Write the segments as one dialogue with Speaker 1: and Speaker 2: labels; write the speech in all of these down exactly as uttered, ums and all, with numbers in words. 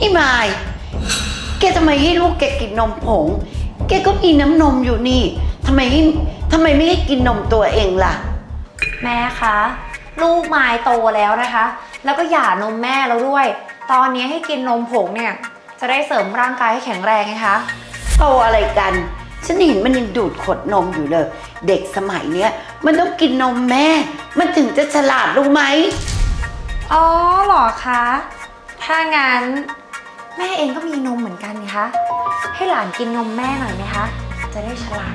Speaker 1: นี่มายแกทำไมให้ลูกแกกินนมผงแกก็มีน้ำนมอยู่นี่ทำไมให้ทำไมไม่ให้กินนมตัวเองล่ะ
Speaker 2: แม่คะลูกมายโตแล้วนะคะแล้วก็หย่านมแม่แล้วด้วย ตอนนี้ให้กินนมผงเนี่ยจะได้เสริมร่างกายให้แข็งแรงไงคะ
Speaker 1: โตอะไรกันฉันเห็นมันยังดูดขวดนมอยู่เลยเด็กสมัยเนี้ยมันต้องกินนมแม่มันถึงจะฉลาดรู้ไหม
Speaker 2: อ๋อเหรอคะถ้างั้นแม่เองก็มีนมเหมือนกันนี่คะให้หลานกินนมแม่หน่อยไหมคะจะได้ฉลาด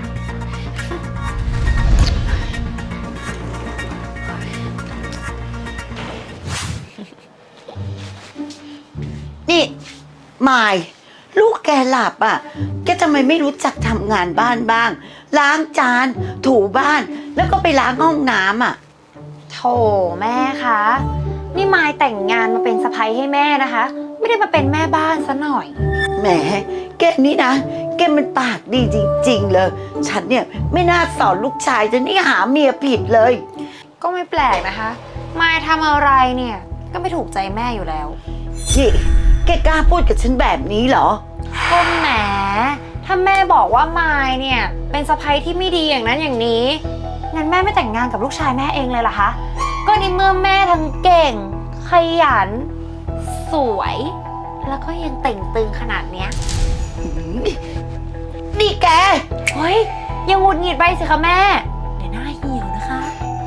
Speaker 1: นี่มายลูกแกหลับอ่ะแกทำไมไม่รู้จักทำงานบ้านบ้างล้างจานถูบ้านแล้วก็ไปล้างห้องน้ำอ่ะ
Speaker 2: โถแม่คะนี่มายแต่งงานมาเป็นสะใภ้ให้แม่นะคะไม่ได้มาเป็นแม่บ้านซะหน่อย
Speaker 1: แหมแกนี่นะแกมันปากดีจริงๆเลยฉันเนี่ยไม่น่าสอนลูกชายจะนี่หาเมียผิดเลย
Speaker 2: ก็ไม่แปลกนะคะมายทำอะไรเนี่ยก็ไม่ถูกใจแม่อยู่แล้ว
Speaker 1: นี่แกกล้าพูดกับฉันแบบนี้เหรอ
Speaker 2: ก็แหมถ้าแม่บอกว่ามายเนี่ยเป็นสะใภ้ที่ไม่ดีอย่างนั้นอย่างนี้งั้นแม่ไม่แต่งงานกับลูกชายแม่เองเลยเหรอคะก็ในเมื่อแม่ทั้งเก่งขยันสวยแล้วก็ยังเต่งตึงขนาดเนี้ย
Speaker 1: นี่แก
Speaker 2: เฮ้ยยังหงุดหงิดไปสิคะแม่เดี๋ยวหน้าเหี่ยวนะคะ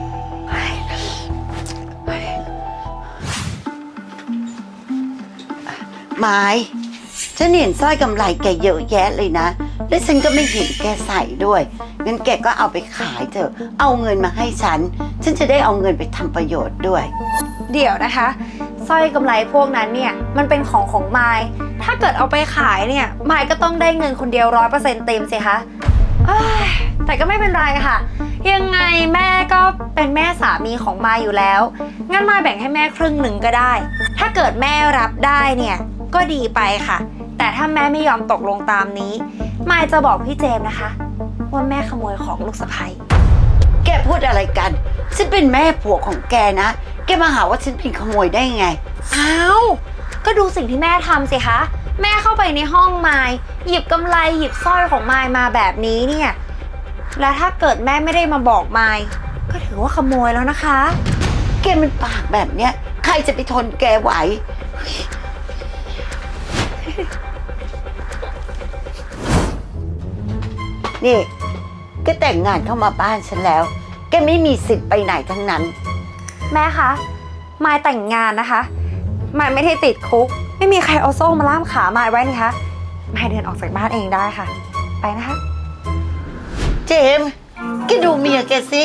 Speaker 1: ไม้ฉันเห็นสร้อยกำไลแกเยอะแยะเลยนะและฉันก็ไม่เห็นแกใส่ด้วยงั้นแกก็เอาไปขายเถอะเอาเงินมาให้ฉันฉันจะได้เอาเงินไปทำประโยชน์ด้วย
Speaker 2: เดี๋ยวนะคะสร้อยกำไลพวกนั้นเนี่ยมันเป็นของของมายถ้าเกิดเอาไปขายเนี่ยมายก็ต้องได้เงินคนเดียวร้อยเปอร์เซ็นต์เต็มสิคะแต่ก็ไม่เป็นไรค่ะยังไงแม่ก็เป็นแม่สามีของมายอยู่แล้วงั้นมายแบ่งให้แม่ครึ่งหนึ่งก็ได้ถ้าเกิดแม่รับได้เนี่ยก็ดีไปค่ะแต่ถ้าแม่ไม่ยอมตกลงตามนี้มายจะบอกพี่เจมส์นะคะว่าแม่ขโมยของลูกสะใภ้
Speaker 1: แกพูดอะไรกันฉันเป็นแม่ผัวของแกนะแกมาหาว่าฉันเป็นขโมยได้ไง
Speaker 2: อ้าวก็ดูสิ่งที่แม่ทำสิคะแม่เข้าไปในห้องมายหยิบกำไลหยิบสร้อยของมายมาแบบนี้เนี่ยแล้วถ้าเกิดแม่ไม่ได้มาบอกมายก็ถือว่าขโมยแล้วนะคะ
Speaker 1: แกมันปากแบบเนี้ยใครจะไปทนแกไหวนี่แกแต่งงานเข้ามาบ้านฉันแล้วแกไม่มีสิทธิ์ไปไหนทั้งนั้น
Speaker 2: แม่คะมายแต่งงานนะคะมายไม่ได้ติดคุกไม่มีใครเอาโซ่มาล่ามขามายไว้นี่คะมายเดินออกจากบ้านเองได้ค่ะไปนะคะ
Speaker 1: เจมส์แกดูเมียแกสิ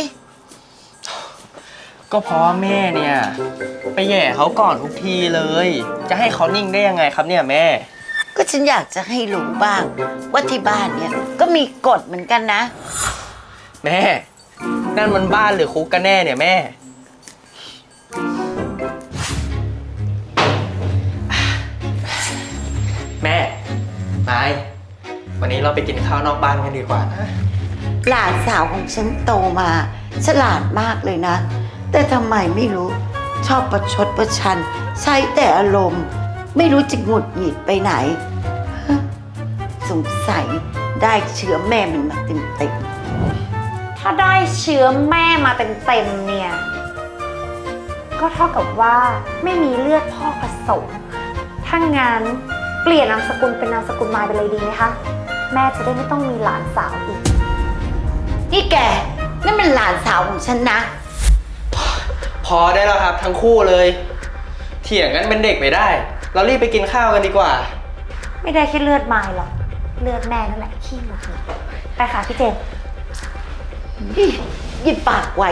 Speaker 3: ก็เพราะว่าแม่เนี่ยไปแย่เขาก่อนทุกทีเลยจะให้เขานิ่งได้ยังไงครับเนี่ยแม่
Speaker 1: ก็ฉันอยากจะให้รู้บ้างว่าที่บ้านเนี่ยก็มีกฎเหมือนกันนะ
Speaker 3: แม่นั่นมันบ้านหรือคุกกันแน่เนี่ยแม่แม่นายวันนี้เราไปกินข้าวนอกบ้านกันดีกว่านะ
Speaker 1: หลานสาวของฉันโตมาฉลาดมากเลยนะแต่ทำไมไม่รู้ชอบประชดประชันใช้แต่อารมณ์ไม่รู้จะหงุดหงิดไปไหนสงสัยได้เชื้อแม่มันมาเต็ม
Speaker 2: ๆถ้าได้เชื้อแม่มาเต็มๆเนี่ยก็เท่ากับว่าไม่มีเลือดพ่อผสมถ้างั้นเปลี่ยนนามสกุลเป็นนามสกุลมายไปเลยดีไหมคะแม่จะได้ไม่ต้องมีหลานสาวอีก
Speaker 1: นี่แกนั่นมันหลานสาวของฉันนะ
Speaker 3: พอได้แล้วครับทั้งคู่เลยเถียงกันเป็นเด็กไม่ได้เรารีบไปกินข้าวกันดีกว่า
Speaker 2: ไม่ได้แค่เลือดมายหรอกเลือดแม่นั่นแหละขี้หงุดหงิดไปค่ะพี่เจมส์
Speaker 1: หยิบปากไว้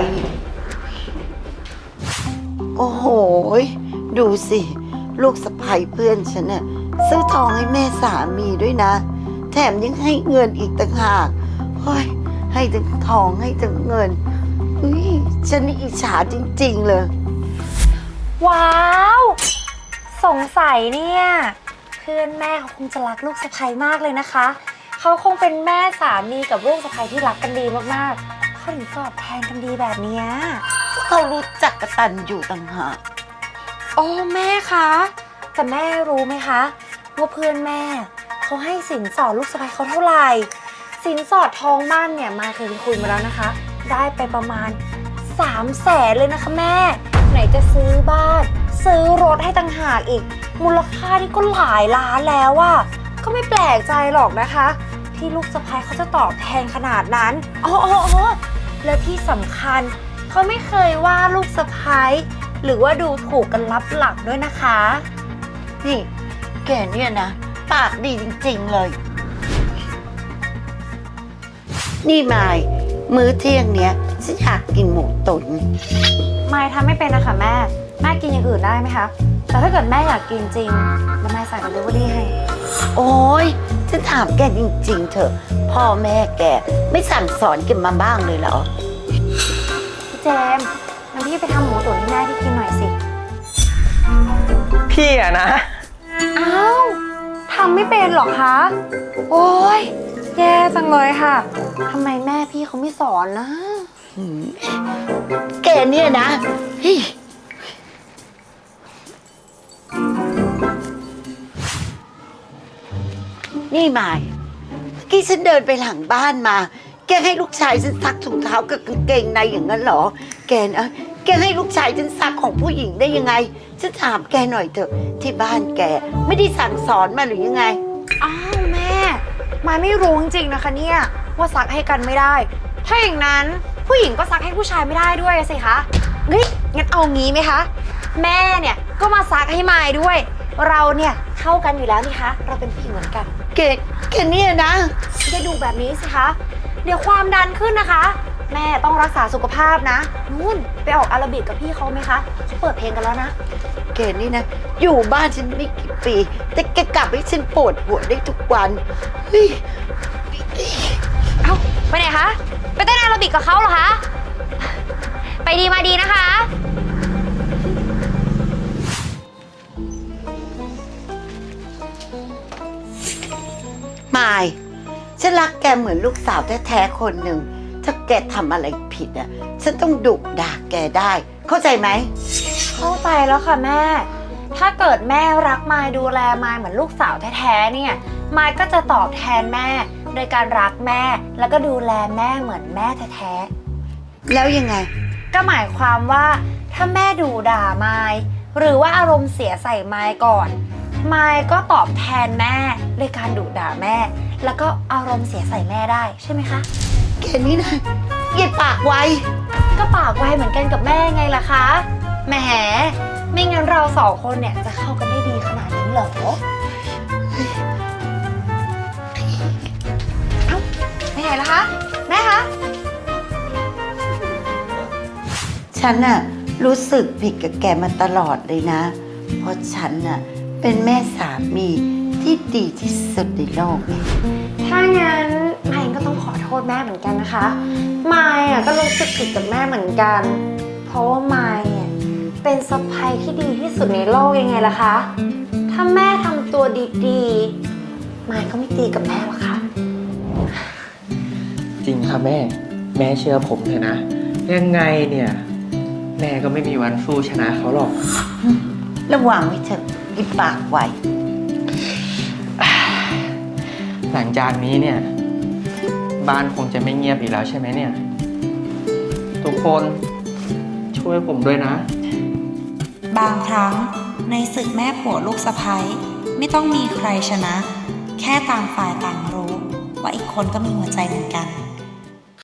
Speaker 1: โอ้โหดูสิลูกสะใภ้เพื่อนฉันน่ะซื้อทองให้แม่สามีด้วยนะแถมยังให้เงินอีกต่างหากเฮ้ยให้ทั้งทองให้ทั้งเงินเฮ้ยฉันนี่อิจฉาจริงๆเลย
Speaker 2: ว้าวสงสัยเนี่ยเพื่อนแม่เขาคงจะรักลูกสะใภ้มากเลยนะคะเขาคงเป็นแม่สามีกับลูกสะใภ้ที่รักกันดีมากๆเขาถึงตอบแทนกันดีแบบนี้
Speaker 1: เขารู้จักกตัญญูต่างหาก
Speaker 2: โอ้แม่คะแต่แม่รู้ไหมคะว่าเพื่อนแม่เขาให้สินสอดลูกสะใภ้เขาเท่าไหร่สินสอดทองมั่นเนี่ยมายเคยคุยมาแล้วนะคะได้ไปประมาณสามแสนเลยนะคะแม่ไหนจะซื้อบ้านซื้อรถให้ต่างหากอีกมูลค่านี่ก็หลายล้านแล้วอะก็ไม่แปลกใจหรอกนะคะที่ลูกสะใภ้เขาจะตอบแทนขนาดนั้นอ๋ออ๋ออ๋อและที่สำคัญเขาไม่เคยว่าลูกสะใภ้หรือว่าดูถูกกันลับหลังด้วยนะคะ
Speaker 1: นี่แกเนี่ยนะปากดีจริงๆเลย นี่มายมื้อเที่ยงเนี้ยฉันอยากกินหมูตุ๋น
Speaker 2: มายทำไม่เป็นนะคะแม่แม่กินอย่างอื่นได้ไหมคะแต่ถ้าเกิดแม่อยากกินจริงแล้วแม่สั่งเดลิเวอรี่ให้
Speaker 1: โอ้ยฉันถามแกจริงๆเถอะพ่อแม่แกไม่สั่งสอนแกันมาบ้างเลยเหรอ
Speaker 2: พี่เจมส์งั้นพี่ไปทำหมูตุ๋นให้แม่ที่กินหน่อยสิ
Speaker 3: พี่อะนะ
Speaker 2: อ้าวทำไม่เป็นหรอคะโอ้ยแย่จังเลยค่ะทำไมแม่พี่เขาไม่สอนนะ
Speaker 1: แกเนี่ยนะเฮ้ยนี่มายเมื่อกี้ฉันเดินไปหลังบ้านมา แกให้ลูกชายฉันซักถุงเท้ากับกางเกงในอย่างนั้นเหรอ แกนะแกให้ลูกชายฉันซักของผู้หญิงได้ยังไง ฉันถามแกหน่อยเถอะ ที่บ้านแกไม่ได้สั่งสอนมาหรือยังไง
Speaker 2: อ้าวแม่มายไม่รู้จริงๆนะคะเนี่ยว่าซักให้กันไม่ได้ ถ้าอย่างนั้นผู้หญิงก็ซักให้ผู้ชายไม่ได้ด้วยสิคะเฮ้ยงั้นเอางี้ไหมคะแม่เนี่ยก็มาซักให้มายด้วย เราเนี่ยเข้ากันอยู่แล้วนี่คะเราเป็นผู้หญิงเหมือนกัน
Speaker 1: แกแกเนี่ยนะ
Speaker 2: จะดูแบบนี้สิคะเดี๋ยวความดันขึ้นนะคะ แม่ต้องรักษาสุขภาพนะนู่นไปออกอาราบิกกับพี่เขาไหมคะเขาเปิดเพลงกันแล้วนะ
Speaker 1: แกนี่นะ อยู่บ้านฉันไม่กี่ปี แต่แกกลับให้ฉันปวดหัวได้ทุกวันเฮ้ย
Speaker 2: เอ้าไปไหนคะไปเต้นอาราบิกกับเขาเหรอคะไปดีมาดีนะคะ
Speaker 1: มายฉันรักแกเหมือนลูกสาวแท้ๆคนหนึ่ง ถ้าแกทำอะไรผิดอ่ะ ฉันต้องดุด่าแกได้ เข้าใจไหม
Speaker 2: เข้าใจแล้วค่ะแม่ ถ้าเกิดแม่รักมายดูแลมายเหมือนลูกสาวแท้ๆเนี่ยมายก็จะตอบแทนแม่โดยการรักแม่แล้วก็ดูแลแม่เหมือนแม่แท้ๆ
Speaker 1: แล้วยังไง
Speaker 2: ก็หมายความว่าถ้าแม่ดูด่ามายหรือว่าอารมณ์เสียใส่มายก่อนมายก็ตอบแทนแม่ด้วยการดุด่าแม่ แล้วก็อารมณ์เสียใส่แม่ได้ใช่ไหมคะ
Speaker 1: แกนี่นะเย็ดปากไว้
Speaker 2: ก็ปากไวเหมือนกันกับแม่ไงล่ะคะแหมไม่งั้นเราสองคนเนี่ยจะเข้ากันได้ดีขนาดนี้เหรอเอ้าไปไหนล่ะคะแม่คะ
Speaker 1: ฉันน่ะรู้สึกผิดกับแกมาตลอดเลยนะ เพราะฉันน่ะเป็นแม่สามีที่ดีที่สุดในโลกเลย
Speaker 2: ถ้างั้นมายก็ต้องขอโทษแม่เหมือนกันนะคะมายอ่ะก็รู้สึกผิดกับแม่เหมือนกัน เพราะว่ามายเนี่ยเป็นสะใภ้ที่ดีที่สุดในโลกยังไงล่ะคะถ้าแม่ทำตัวดีๆมายก็ไม่ตีกับแม่หรอกค่ะ
Speaker 3: จริงค่ะแม่ แม่เชื่อผมเถอะนะ ยังไงเนี่ย แม่ก็ไม่มีวันสู้ชนะเขาหรอก
Speaker 1: ระวังไว้เถอะเย็ดปากไว้
Speaker 3: หลังจากนี้เนี่ย บ้านคงจะไม่เงียบอีกแล้วใช่ไหมเนี่ย ทุกคนช่วยผมด้วยนะ
Speaker 4: บางครั้งในศึกแม่ผัวลูกสะใภ้ไม่ต้องมีใครชนะ แค่ต่างฝ่ายต่างรู้ว่าอีกคนก็มีหัวใจเหมือนกัน